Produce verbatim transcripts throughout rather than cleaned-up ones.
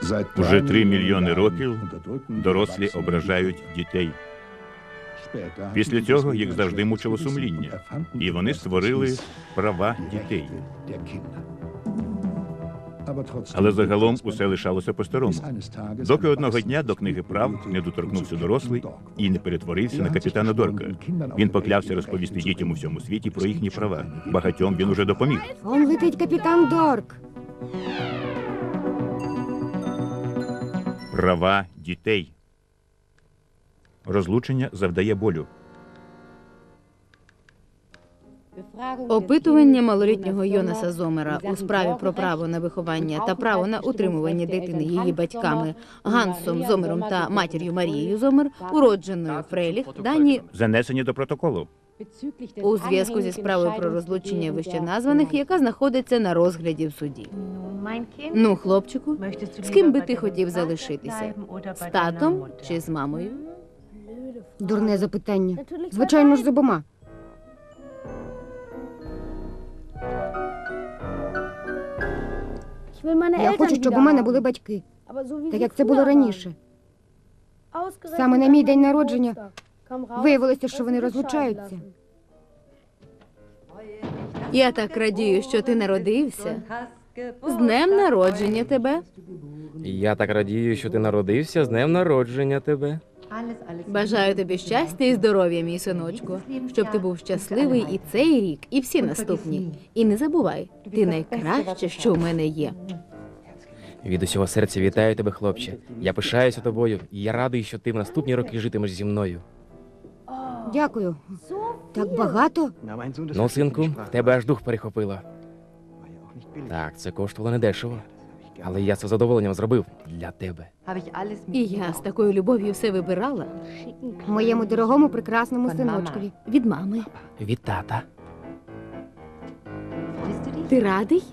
Уже три мільйони років дорослі ображають дітей. Після цього їх завжди мучило сумління, і вони створили права дітей. Але загалом усе лишалося по-старому. Доки одного дня до книги прав не доторкнувся дорослий і не перетворився на капітана Дорка. Він поклявся розповісти дітям у всьому світі про їхні права. Багатьом він уже допоміг. Он летить капітан Дорк. Права дітей. Розлучення завдає болю. Опитування малолітнього Йонаса Зомера у справі про право на виховання та право на утримування дитини її батьками Гансом Зомером та матір'ю Марією Зомер, уродженою Фрейліх, дані Занесені до протоколу. у зв'язку зі справою про розлучення вищеназваних, яка знаходиться на розгляді в суді. Ну, хлопчику, з ким би ти хотів залишитися? З татом чи з мамою? Дурне запитання. Звичайно ж, з обома. Я хочу, щоб у мене були батьки, так як це було раніше. Саме на мій день народження виявилося, що вони розлучаються. Я так радію, що ти народився. З днем народження тебе. Я так радію, що ти народився, з днем народження тебе. Бажаю тобі щастя і здоров'я, мій синочку, щоб ти був щасливий і цей рік, і всі наступні. І не забувай, ти найкраще, що в мене є. Від усього серця вітаю тебе, хлопче. Я пишаюся тобою, і я радий, що ти в наступні роки житимеш зі мною. Дякую. Так багато? Ну, синку, в тебе аж дух перехопило. Так, це коштувало недешево. Але я це з задоволенням зробив для тебе. І я з такою любов'ю все вибирала. Моєму дорогому прекрасному синочкові. Від мами. Від тата. Ти радий?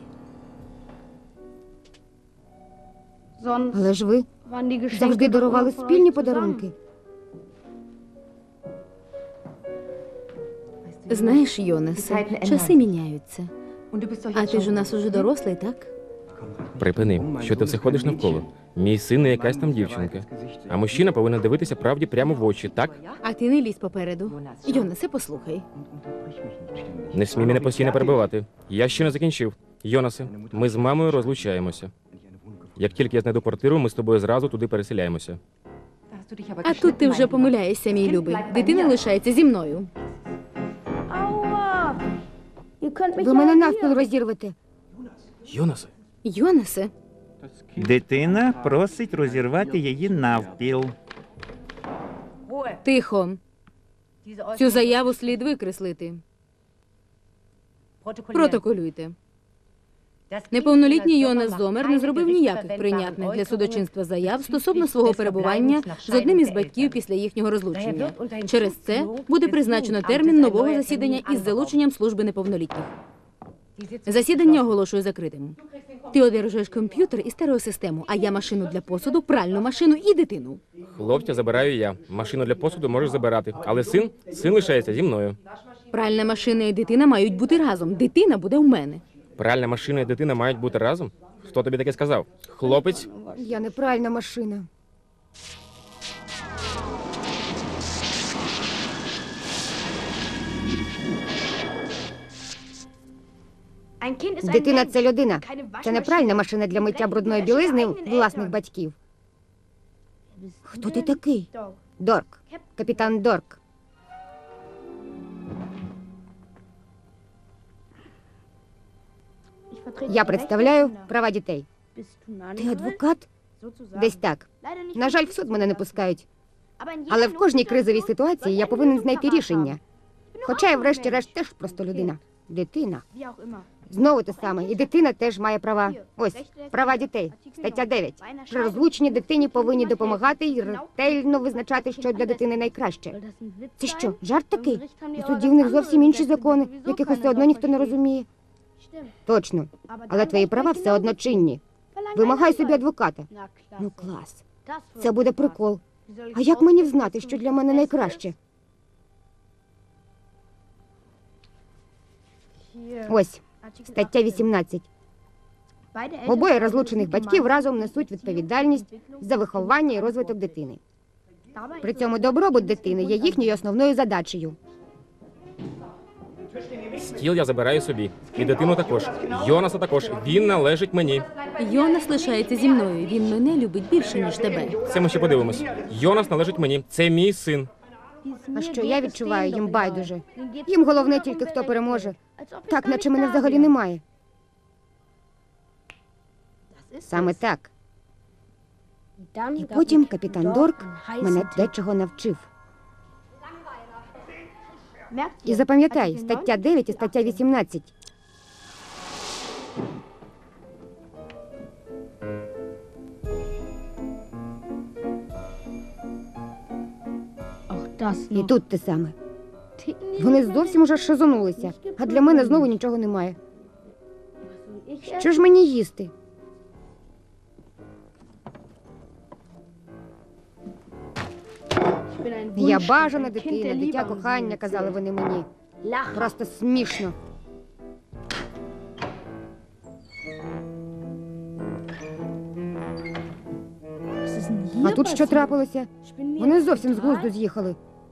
Але ж ви завжди дарували спільні подарунки. Знаєш, Йонасе, часи міняються. А ти ж у нас уже дорослий, так? Припини, що ти все ходиш навколо. Мій син не якась там дівчинка. А мужчина повинен дивитися правді прямо в очі, так? А ти не лізь попереду. Йонасе, послухай. Не смій мене постійно перебивати. Я ще не закінчив. Йонасе, ми з мамою розлучаємося. Як тільки я знайду квартиру, ми з тобою зразу туди переселяємося. А тут ти вже помиляєшся, мій любий. Дитина лишається зі мною. Ви мене навпіл розірвете. Йонасе? Йонасе, Дитина просить розірвати її навпіл. тихо. Цю заяву слід викреслити. Протоколюйте. Неповнолітній Йонас Зомер не зробив ніяких прийнятних для судочинства заяв стосовно свого перебування з одним із батьків після їхнього розлучення. Через це буде призначено термін нового засідання із залученням служби неповнолітніх. Засідання оголошую закритим. Ти одержуєш комп'ютер і стереосистему, а я машину для посуду, пральну машину і дитину. Хлопця забираю я. Машину для посуду можеш забирати. Але син, син лишається зі мною. Пральна машина і дитина мають бути разом. Дитина буде у мене. Пральна машина і дитина мають бути разом? Хто тобі таке сказав? Хлопець? Я не пральна машина. Дитина – це людина. Це не пральна машина для миття брудної білизни власних батьків. Хто ти такий? Дорк. Капітан Дорк. Я представляю права дітей. Ти адвокат? Десь так. На жаль, в суд мене не пускають. Але в кожній кризовій ситуації я повинен знайти рішення. Хоча я врешті-решт теж просто людина. Дитина. Знову те саме. І дитина теж має права. Ось, права дітей. Стаття дев'ять. При розлученні дитині повинні допомагати і ретельно визначати, що для дитини найкраще. Це що, жарт такий? У суді в них зовсім інші закони, яких все одно ніхто не розуміє. Точно. Але твої права все одно чинні. Вимагай собі адвоката. Ну клас. Це буде прикол. А як мені взнати, що для мене найкраще? Ось, стаття вісімнадцять. Обоє розлучених батьків разом несуть відповідальність за виховання і розвиток дитини. При цьому добробут дитини є їхньою основною задачею. Стіл я забираю собі. І дитину також. Йонаса також. Він належить мені. Йонас лишається зі мною. Він мене любить більше, ніж тебе. Це ми ще подивимось. Йонас належить мені. Це мій син. А що я відчуваю, їм байдуже. Їм головне тільки, хто переможе. Так, наче мене взагалі немає. Саме так. І потім капітан Дорк мене дечого навчив. І запам'ятай, стаття дев'ять і стаття вісімнадцять. І тут те саме. Вони зовсім уже шизонулися, а для мене знову нічого немає. Що ж мені їсти? Я бажана дитина, дитя кохання, казали вони мені. Просто смішно. А тут що трапилося? Вони зовсім з глузду з'їхали.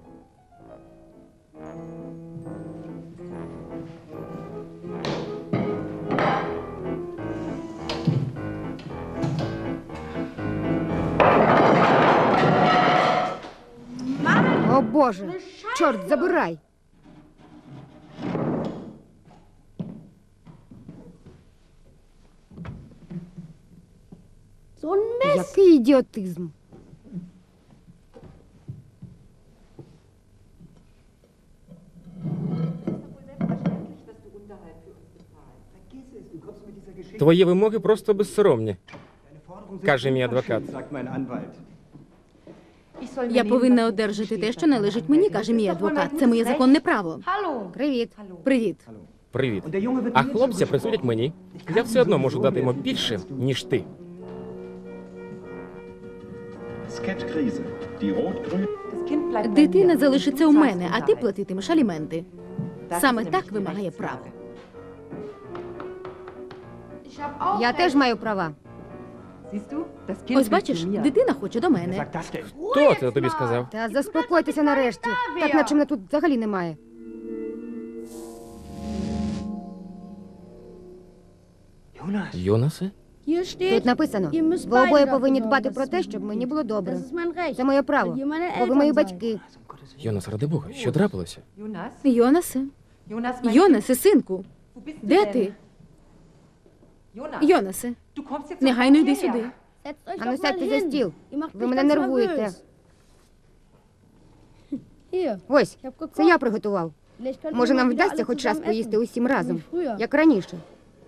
О Боже! Чорт, забирай! Який ідіотизм! Твої вимоги просто безсоромні, каже мій адвокат. Я повинна одержати те, що належить мені, каже мій адвокат. Це моє законне право. Привіт. Привіт. Привіт. А хлопця присудять мені. Я все одно можу дати йому більше, ніж ти. Sketch-Krise. Die rot-grün. Дитина залишиться у мене, а ти платитимеш аліменти. Саме так вимагає право. Я теж маю права. Ось бачиш, дитина хоче до мене. Хто це тобі сказав? Та заспокойтеся нарешті. Так наче мене тут взагалі немає. Йонасе? Тут написано, ви обоє повинні дбати про те, щоб мені було добре. Це моє право, бо ви мої батьки. Йонас, ради Бога, що трапилося? Йонасе. Йонасе, синку. Де ти? Йонасе, негайно йди сюди. Ану, сядьте за стіл. Ви мене нервуєте. Ось, це я приготував. Може, нам вдасться хоч раз поїсти усім разом, як раніше.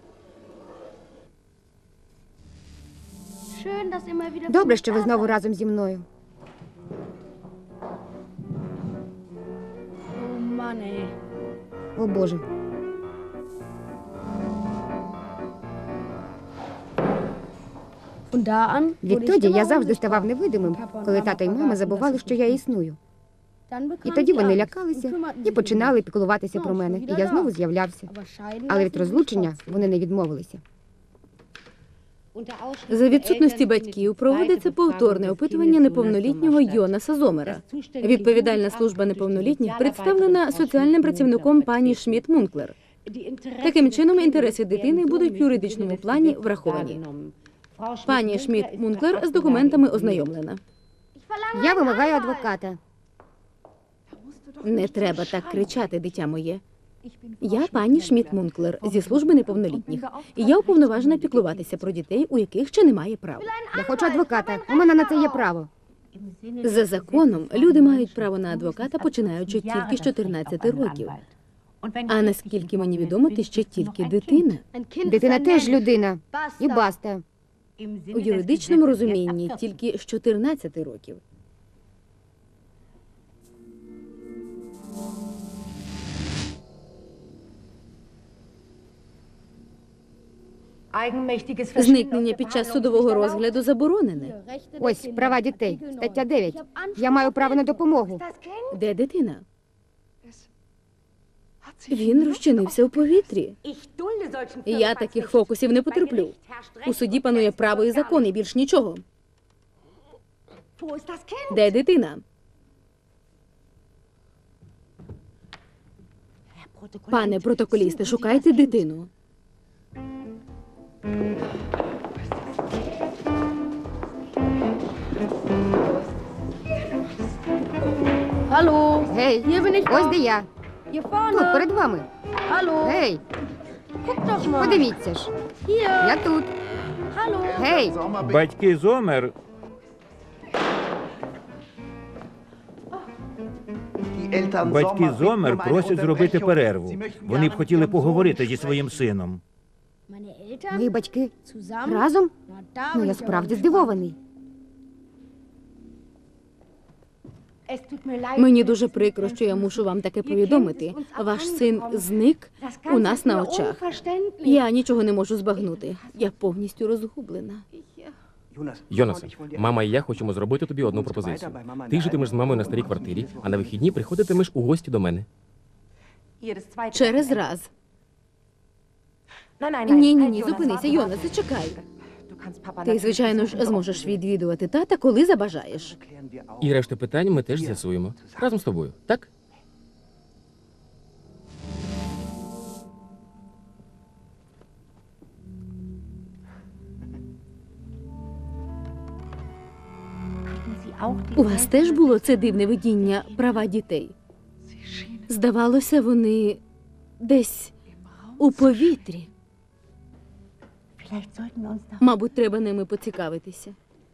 Добре, що ви знову разом зі мною. О, Боже. Відтоді я завжди ставав невидимим, коли тато й мама забували, що я існую. І тоді вони лякалися і починали піклуватися про мене, і я знову з'являвся. Але від розлучення вони не відмовилися. За відсутності батьків проводиться повторне опитування неповнолітнього Йонаса Зомера. Відповідальна служба неповнолітніх представлена соціальним працівником пані Шмідт-Мунклер. Таким чином, інтереси дитини будуть в юридичному плані враховані. Пані Шмідт-Мунклер з документами ознайомлена. Я вимагаю адвоката. Не треба так кричати, дитя моє. Я пані Шмідт-Мунклер зі служби неповнолітніх. І я уповноважена піклуватися про дітей, у яких ще немає прав. Я хочу адвоката. У мене на це є право. За законом, люди мають право на адвоката, починаючи тільки з чотирнадцяти років. А наскільки мені відомо, ти ще тільки дитина. Дитина теж людина. І баста. У юридичному розумінні тільки з чотирнадцяти років. Зникнення під час судового розгляду заборонене. Ось, права дітей. Стаття дев'ять. Я маю право на допомогу. Де дитина? Він розчинився у повітрі. Я таких фокусів не потерплю. У суді панує право і закон, і більш нічого. Де дитина? Пане протоколісте, шукайте дитину. Hallo, Гей, hier bin ich ось doch. де я. Hier Тут, vorne. перед вами. Hallo, Гей, guck doch mal. подивіться ж. Hier. Я тут. Hallo. Гей, Батьки Зомер Батьки Зомер просять зробити перерву. Вони б хотіли поговорити зі своїм сином. Meine Eltern мої батьки zusammen? разом? Na, da Ну, bin я ich справді aber здивований. Es tut mir leid. Мені дуже прикро, що я мушу вам таке повідомити. Ваш син зник Das у нас Ganze на ist mir очах. unverständlich. Я нічого не можу збагнути. Я повністю розгублена. Йонасе, мама і я хочемо зробити тобі одну пропозицію. Ти житимеш з мамою на старій квартирі, а на вихідні приходитимеш у гості до мене. Через раз. Ні, ні, ні, зупинися, Йона, зачекай. Ти, звичайно ж, зможеш відвідувати тата, коли забажаєш. І решту питань ми теж з'ясуємо. Разом з тобою, так? У вас теж було це дивне видіння права дітей? Здавалося, вони десь у повітрі. Vielleicht sollten wir uns da Мабуть, треба ними поцікавитися.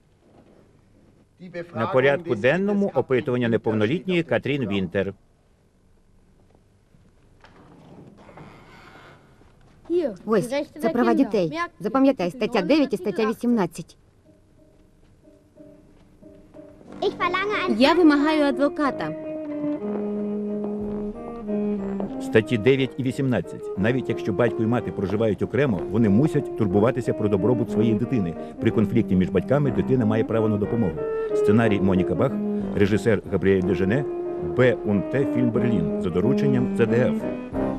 На порядку денному опитування неповнолітньої Катрін Вінтер. hier. Ось, die Rechte це der права Kinder. дітей. Merkt ihr? Запам'ятай, стаття дев'ять і стаття вісімнадцять. Я вимагаю адвоката. Статті дев'ять і вісімнадцять. Навіть якщо батько і мати проживають окремо, вони мусять турбуватися про добробут своєї дитини. При конфлікті між батьками дитина має право на допомогу. Сценарій Моніка Бах, режисер Габріель Дежене, Б. Унте, фільм Берлін за дорученням Це Де Еф.